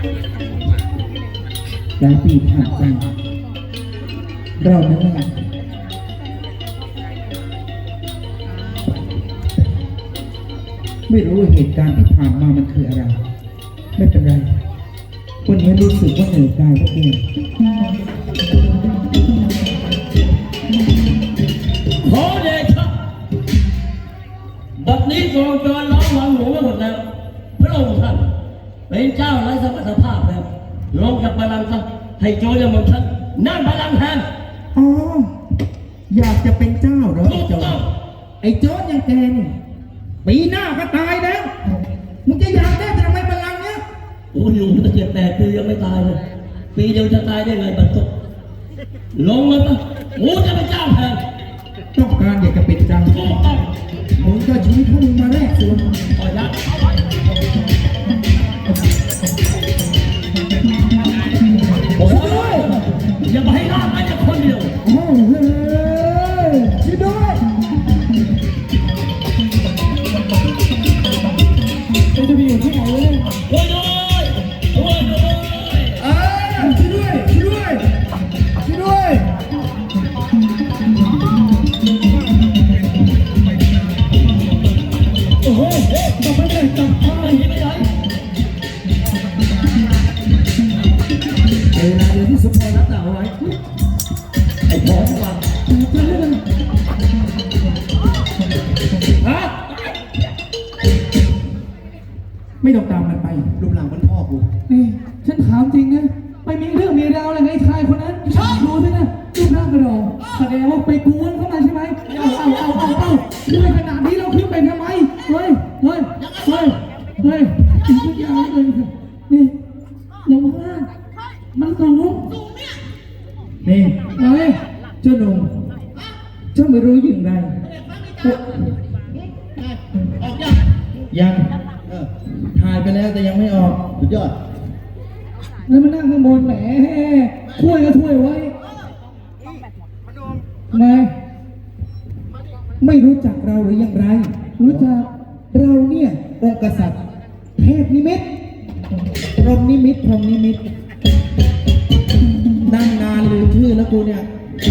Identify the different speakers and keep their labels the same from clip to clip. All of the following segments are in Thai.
Speaker 1: หลายปีผ่านไปเรานั้นแหละไม่รู้เหตุการณ์ที่ผ่านมามันคืออะไร ไม่เป็นไรวันนี้รู้สึกว่าเหนื่อยกายก็เอง
Speaker 2: ขอเดชะบัดนี้กองจรล้อมวังหลวงไว้หมดแล้วพระองค์ท่านเป็นเจ้าไร้สมรรถภาพแล้วลงจากบัลลังก์ซะให้โจรอย่างมึงท่านนั่งบัลลังก์แทน
Speaker 1: อ๋ออยากจะเป็นเจ้าเหรอไอ้โจรไอ้โจรอย่างแกนี่ปีหน้าก็ตายแล้วมึงจะอยากได้ทำไมบัลลังก์เนี้ย
Speaker 2: โอ้ยอยู่ตั้ง7-8 ปียังไม่ตายเลยปีเดียวจะตายได้ไงบรรทุกลงมาปะกูจะเป็นเจ้าแทน
Speaker 1: ต้องการอยากจะเป็นเจ้ามึงก็ชี้พวกมึงมาแรกส่วน
Speaker 2: ขอยัดโอ้ยอย่าไปให้รอดไปจากคนเดียว
Speaker 1: โอ้โหช่วยด้วยจะไปอยู่ที่ไหนเลย
Speaker 2: ช่วยด้วยช่วยด้วย
Speaker 1: ช่วยด้วยช่วยด้วยช่วยด้วยโอ้โหจับไม่ได้จับไม่ได้เวลาเดียวที่สมพรรับหนาวไว้
Speaker 2: ไอ้พ่อฟังฮะ
Speaker 1: ไม่ต้องตามมันไปรูปหลังมันพ่อกูนี่ฉันถามจริงนะไปมีเรื่องมีราวอะไรไงชายคนนั้นใช่ดูสินะรูปร่างกระโดดแสดงว่าไปกวนเข้ามาใช่ไหมเอาด้วยขนาดนี้เราขึ้นไปทำไมเฮ้ยอีกทุกอย่างเลยนี่ลงล่างมันสูงนี่เฮ้ยเจ้าหนุ่มเจ้าไม่รู้อย่างไรยังถ่ายไปแล้วแต่ยังไม่ออกสุดยอดแล้วมานั่งข้างบนแหมถ้วยก็ถ้วยไว้ไม่รู้จักเราหรืออย่างไรรู้จักเราเนี่ยองค์กษัตริย์เทพนิมิตพรหมนิมิตนั่งนานลืมชื่อแล้วกูเนี่ย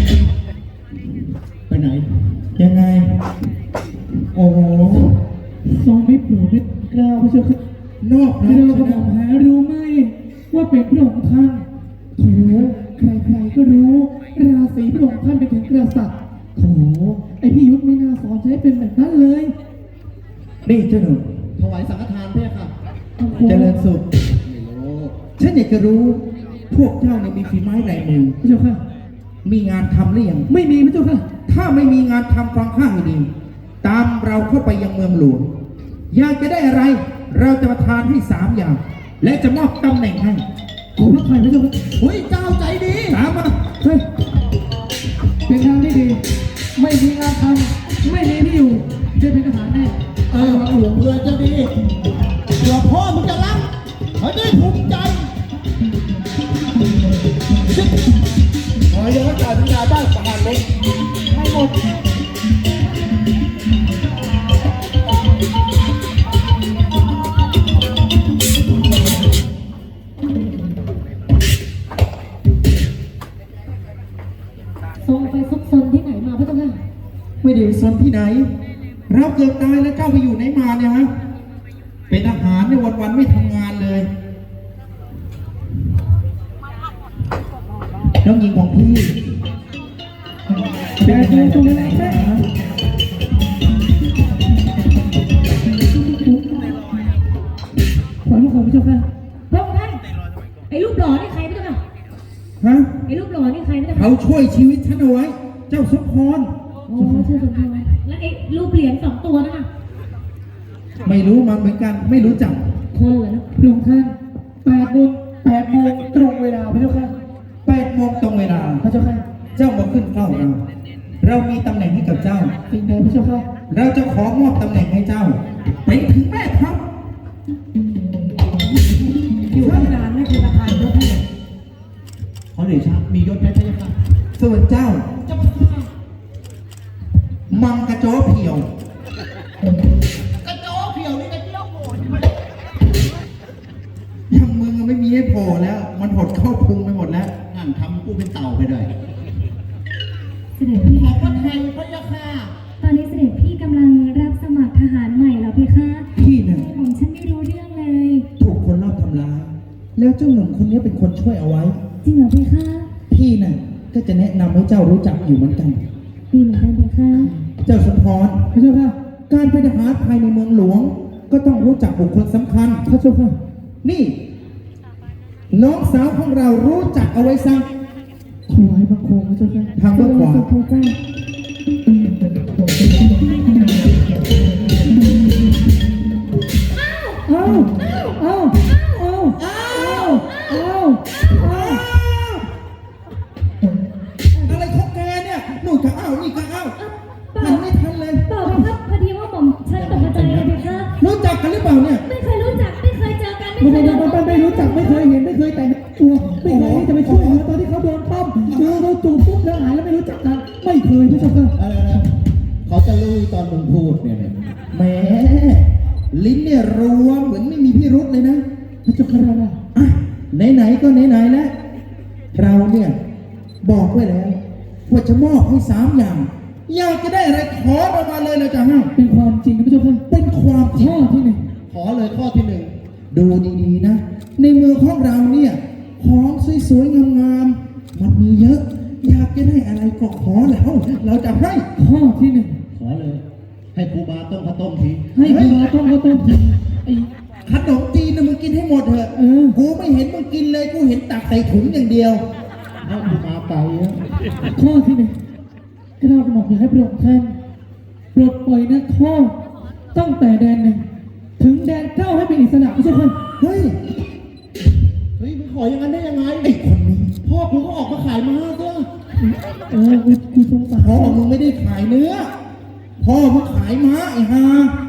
Speaker 1: ไปไหนยังไงโอ้โหทรงมิตรหนูมิตรกล้าวพระเจ้าค่ะนอกนะเราก็บอกหารู้ไหมว่าเป็นพระองค์ท่านโถใครๆก็รู้ราศีพระองค์ท่านเป็นถึงกษัตริย์โถไอพี่ยุทธไม่น่าสอนใช้เป็นแบบนั้นเลยนี่เจ้าหนุ่ม
Speaker 3: ถวายสังฆทานเพื่อค่ะ
Speaker 1: เจริญสุขฉันอยากจะรู้พวกเจ้าเนี่ยมีฝีไม้ลายมือพระเจ้าค่ะมีงานทำหรือยังไม่มีพระเจ้าค่ะถ้าไม่มีงานทำฟังข้างให้ดีตามเราเข้าไปยังเมืองหลวงอยากจะได้อะไรเราจะประทานให้3 อย่างและจะมอบตำแหน่งให้ขอพระไทยพระเจ้าค่ะ
Speaker 3: เฮ้ยเจ้าใจดี
Speaker 1: ตามมาเฮ้ยเป็นทางที่ดีไม่มีงานทำไม่มีที่อยู่จะเป็นทหารแน่
Speaker 3: หลวงเพื่อจะดีเดี๋ยวพ่อมึงจะรักเขาได้ภูมิใจขอยังว่าจ่ายสัญญาได้ประหารเลยให้หมด
Speaker 4: ทรงไปซุกซนที่ไหนมาพระเจ้าค่ะ
Speaker 1: ไม่ได้ซนที่ไหนเราเกือบตายแล้วเจ้าไปอยู่ไหนมาเนี่ยฮะเป็นทหารในวันๆไม่ทำงานเลยน้องหญิงของพี่เป็นยังไงตรงไหนนะขอลูกของพระเจ้าค่ะ
Speaker 4: พระองค์ท่านไอ้รูปหล่อนี่ใครพระเจ้าค่ะ
Speaker 1: ฮะ
Speaker 4: ไอ้รูปหล่อนี่ใครพระเจ้าค่ะ
Speaker 1: เขาช่วยชีวิตฉันเอาไว้เจ้าสมพร
Speaker 4: โอ้ชื่อสมพรแล้วไอ้รูปเหรียญ2 ตัวนั่นน่ะ
Speaker 1: ไม่รู้มันเหมือนกันไม่รู้จัก
Speaker 4: คนเหรอนะ
Speaker 1: พระองค์ท่าน8 โมงตรงเวลาพระเจ้าค่ะ8 โมงตรงเวลาพระเจ้าค่ะเจ้ามาขึ้นเฝ้าเรามีตำแหน่งให้กับเจ้าสิ่งใดพระเจ้าค่ะเราจะขอมอบตำแหน่งให้เจ้าเป็นถึงแม่ทัพ
Speaker 4: อยู่ที่นานไม่เป็นประธานยศให้
Speaker 3: ขอเดชะมียศไหมพระเจ้าค่ะ
Speaker 1: ส่วนเจ้ามังกระโจเพียว
Speaker 3: กระโจเพียวนี่กระเจียวโหด
Speaker 1: ยังมึงไม่มี
Speaker 3: ให้โผล่แล้ว มันหดเข้าพุงไปหมดแล้วนั่นทำกูเป็นเต่าไปเลย
Speaker 4: เสด็จพี่
Speaker 3: ขอบพระไทยพระยาค่ะ
Speaker 4: ตอนนี้เสด็จพี่กำลังรับสมัครทหารใหม่เหรอเพคะ
Speaker 1: พี่น่ะ
Speaker 4: ผมฉันไม่รู้เรื่องเลย
Speaker 1: ถูกคนรอบทำร้าย แล้วเจ้าหนุ่มคนนี้เป็นคนช่วยเอาไว้
Speaker 4: จริงเหรอเพคะ
Speaker 1: พี่น่ะก็จะแนะนำให้เจ้ารู้จักอยู่เหมือนกัน
Speaker 4: ดีเหมือนกันเพคะ
Speaker 1: เจ้าสมพรพระเจ้าค่ะ การเป็นทหารภายในเมืองหลวง ก็ต้องรู้จักบุคคลสำคัญพระเจ้าค่ะ นี่ น้องสาวของเรารู้จักเอาไว้ซะถวายบังคมพระเจ้าค่ะทางด้านขวา
Speaker 4: สุขเจ้า
Speaker 1: เอาเอาเอาเอาเอาอะไรของแกเนี่ยหนูจะเอานี่ก็เอาหันไม่ทันเลย
Speaker 4: เปล่าเพคะพอดีว่าผมฉันตกใจเลยเพคะ
Speaker 1: รู้จักกันหรือเปล่าเนี่ย
Speaker 4: ไม่เคยรู้จักไม่เคยเจอกัน
Speaker 1: ไม่รู้จักไม่เคยเห็นไม่เคยแต่งตัวไม่เคยที่จะไปช่วยเหลือตอนที่เขาโดนปั้มเราจูบปุ๊บแล้วหายแล้วไม่รู้จักกันไม่เคยพี่ชมกัน
Speaker 3: อะไรนะเขาจะรู้ตอนมึงพูดเนี่ย
Speaker 1: แหมลิ้นเนี่ยรัวเหมือนไม่มีพิรุษเลยนะพี่ชมกันอ่ะไหนๆก็ไหนๆแล้วเราเนี่ยบอกไว้แล้วว่าจะมอบให้3 อย่างอยากจะได้อะไรขอออกมาเลยนะจ๊ะฮะเป็นความจริงนะพี่ชมกันเป็นความข้อที่1
Speaker 3: ขอเลยข้อที่
Speaker 1: ดูดีๆนะ ในเมืองของเราเนี่ยของสวยๆงามๆมันมีเยอะ อยากจะได้อะไรก็ขอแล้วเราจะให้ข้อที่
Speaker 3: 1ขอเลย ให้ครูบาต้มข้าวต้มที
Speaker 1: 1ให้ครูบาต้มข้าวต้มกินไอ้ขนมจีนนะมึงกินให้หมดเถอะกูไม่เห็นมึงกินเลยกูเห็นตักใส่ถุงอย่างเดียว
Speaker 3: ให้ครูบาไปอะ
Speaker 1: ข้อที่ 1กระเราบอกอยากให้พระองค์ท่านปลดปล่อยนักโทษตั้งแต่แดน 1ถึงแดน 9ให้เป็นอิสระไม่ใช่คนเฮ้ย
Speaker 3: มึงขออย่างนั้นได้ยังไง
Speaker 1: ไอ้คนนี้
Speaker 3: พ่อกูก็ออกมาขายม้าซะ
Speaker 1: กูสงสารพ่อมึงไม่ได้ขายเนื้อ พ่อมึงขายม้าไอ้ห่า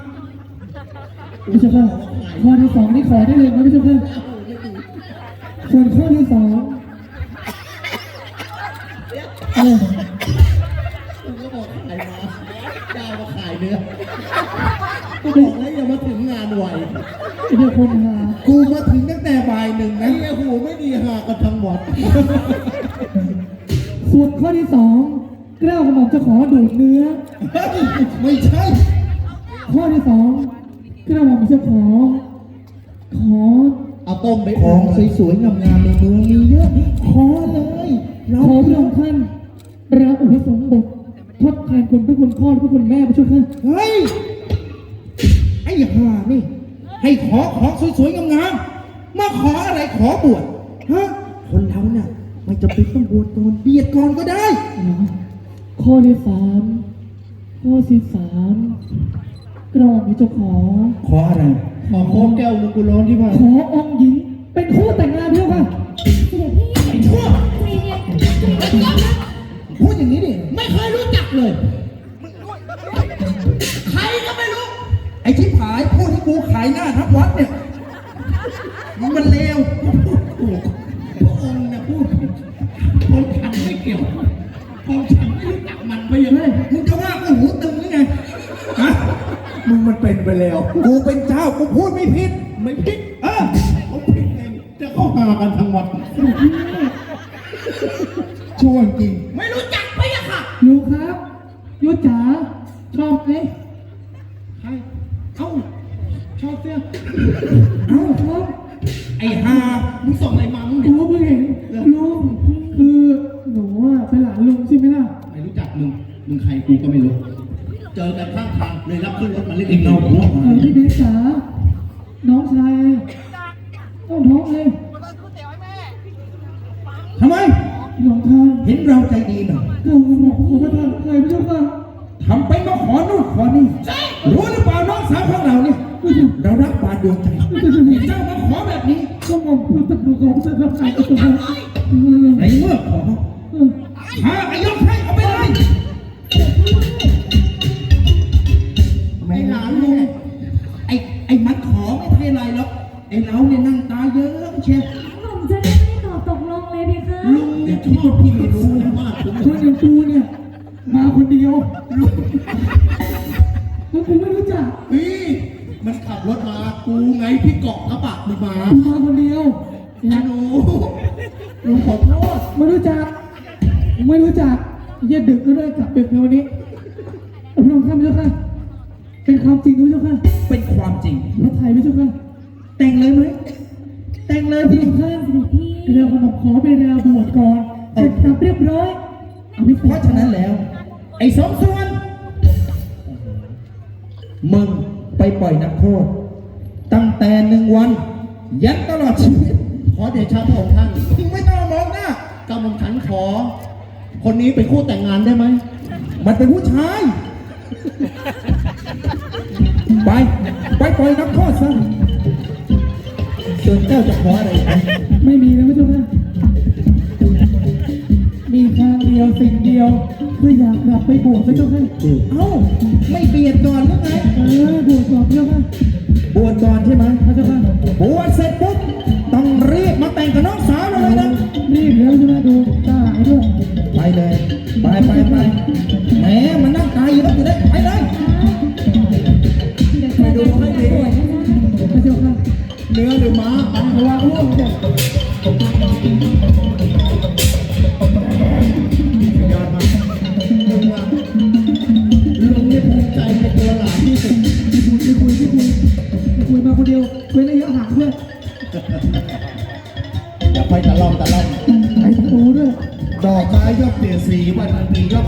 Speaker 1: พี่เจ้าค่ะข้อที่ 2นี่ขอได้เลยนะพี่เจ้าค่ะส่วนข้อที่ 2
Speaker 3: กูก็บอกขายม้าเจ้ามาขายเนื้อกูบอกแล้วอย่ามาถึงงานไว
Speaker 1: เดี๋ยวคนหากูมาถึงตั้งแต่บ่าย 1นะ
Speaker 3: ไอ้หูไม่ดีหากันทั้งวัด
Speaker 1: ส่วนข้อที่ 2เกล้ากระหม่อมจะขอดูดเนื้อไม่ใช่ ข้อที่ 2เกล้ากระหม่อมจะขอ
Speaker 3: เอาต้มไป
Speaker 1: ของสวยๆงามๆในเมืองมีเยอะ ขอเลยเราขอพระองค์ท่านเราอุปสมบททดแทนคุณพระคุณพ่อและพระคุณแม่พระเจ้าค่ะเฮ้ยไอ้ห่านี่ให้ขอของสวยๆงามๆมาขออะไรขอบวชฮะคนเราเนี่ยไม่จำเป็นต้องบวชก่อนเบียดก่อนก็ได้ข้อที่ 3ข้อที่ 3กรองมีเจ้าขออะไร
Speaker 3: ขอโค้กแก้วนึงกูร้อนที่ผ่าน
Speaker 1: ขอองค์หญิงเป็นคู่แต่งงานเพื่อค่ะ
Speaker 4: เสด็จพี่
Speaker 1: ไอ้ชั่ว
Speaker 4: ใจเย็นใจเย็นนะ
Speaker 1: พูดอย่างนี้ดิ
Speaker 3: ไม่เคยรู้จักเลย
Speaker 2: ใครก็ไม่รู้
Speaker 1: ไอ้ชิบหายพูดให้กูขายหน้าทับวัดเนี่ยมันเลว
Speaker 3: พระองค์เนี่ยพูดคนฉันไม่เกี่ยวคนฉันไม่รู้จักมันไปยังไง
Speaker 1: มึงจะว่ากูหูตึงหรือไงฮะ
Speaker 3: มึงมันเป็นไปแล้ว
Speaker 1: กูเป็นเจ้ากูพูดไม่ผิด
Speaker 3: ไม่ผิดเขาผิดเองจะเข้าหากันทั้งวัด
Speaker 1: ช่วงจริง
Speaker 2: ไม่รู้จักไปอะค่ะ
Speaker 1: ยูครับยูจ๋าชอบไหม
Speaker 3: ใครเอ้าชอบเสื้อ
Speaker 1: เอ้าชอบไอ้ห่า
Speaker 3: มึงส่งอะไรมามึง
Speaker 1: กูเพิ่งเห็นลุงคือหนูอ่ะเป็นหลานลุงใช่ไหมล่ะ
Speaker 3: ไม่รู้จักมึงใครกูก็ไม่รู้ เจอกันข้างทางเลยรับขึ้นรถมาเล่นเอง
Speaker 1: พี่เบสจ๋าน้องชายต้องท้องเลยทำไมหลวงทางเห็นเราใจดีหน่อยเราบอกขอประทานเคยพี่เจ้าค่ะทำไปมาขอนู่นขอนี่รู้หรือเปล่าน้องสาวของเราเนี่ยเรารักบาดดวงใจเจ้ามาขอแบบนี้ก็มองพูดตะกุกของเสด็จใครก็ต้องในเมื่อขอหาอายกให้เอาไปเลย
Speaker 3: ไอ้หลานลุง
Speaker 1: ไอ้มันขอไม่ใช่อะไรหรอกไอ้เราเนี่ยนั่งตาเยอะเชียว
Speaker 4: ผมจะได้ไม่ตอบตกลงเลยเพคะ
Speaker 3: ลุงเนี่ยชอบพี่ไม่รู้มากผม
Speaker 1: คนอย่างกูเนี่ยมาคนเดียวลุงแล้วกูไม่รู้จัก
Speaker 3: พี่มันขับรถมากูไงพี่เกาะกระบะมึงมา
Speaker 1: มาคนเดียว
Speaker 3: หนูหนูขอโทษ
Speaker 1: ไม่รู้จักไม่รู้จักเย็ดดึกแล้วด้วยกลับดึกในวันนี้พระองค์ท่านพระเจ้าค่ะเป็นความจริงพระเจ้าค่ะ
Speaker 3: เป็นความจริง
Speaker 1: พระไทยพระเจ้าค่ะ
Speaker 3: แต่งเลยไหมแต่งเลย
Speaker 1: พระ
Speaker 3: พี่
Speaker 1: องค์ท่าน
Speaker 4: เสด็จพี่
Speaker 1: เรือขนมขอไปเรือบวชก่อนเสร็จสับเรียบร้อยเอาไป
Speaker 3: เพราะฉะนั้นแล้ว ไอ้สองส่วนมึงไปปล่อยนักโทษ ตั้งแต่1 วัน ยันตลอดชีวิต ขอเดชะพระองค์ท่านมึงไม่ต้องมองหน้ากำลังฉันขอ คนนี้เป็นคู่แต่งงานได้ไหม มันเป็นผู้ชาย ไปปล่อยนักโทษซะส่วนเจ้าจะขออะไรอีกไหม
Speaker 1: ไม่มีแล้วพระเจ้าค่ะมีทางเดียวสิ่งเดียวคืออยากกลับไปบวชพระเจ้าค่ะ
Speaker 3: เอ้า ไม่เบียดก่อนหรือไง
Speaker 1: บวชก่อนพระเจ้าค่ะ
Speaker 3: บวชก่อนใช่ไหม
Speaker 1: พระเจ้าค่ะ
Speaker 3: บวชเสร็จปุ๊บต้องรีบมาแต่งกับน้องสาวเราเลยนะ
Speaker 1: รีบแล้วใช่ไหมดูตาหายด้วย
Speaker 3: ไปเลย ไปแหมมันนั่งตายอยู่แล้วอยู่ได้ไปเลย
Speaker 4: เดี๋ยวเจอกันที่งานบวชนะคะ
Speaker 1: พระเจ้าค่ะ
Speaker 3: เนื้อหรือม้าอัน
Speaker 1: ระวังร่วงเนี่ย
Speaker 3: ยอดมากลุงว่าลุงนี่ภูมิใจในตัวหลานที่สุด
Speaker 1: ไม่คุยมาคนเดียวเว้นระยะห่างเพื่อน
Speaker 3: อย่าไปตะล่อม
Speaker 1: ไอ้ประตูด้วย
Speaker 3: ดอกไม้ย่อมเปลี่ยนสีวันดีย่อม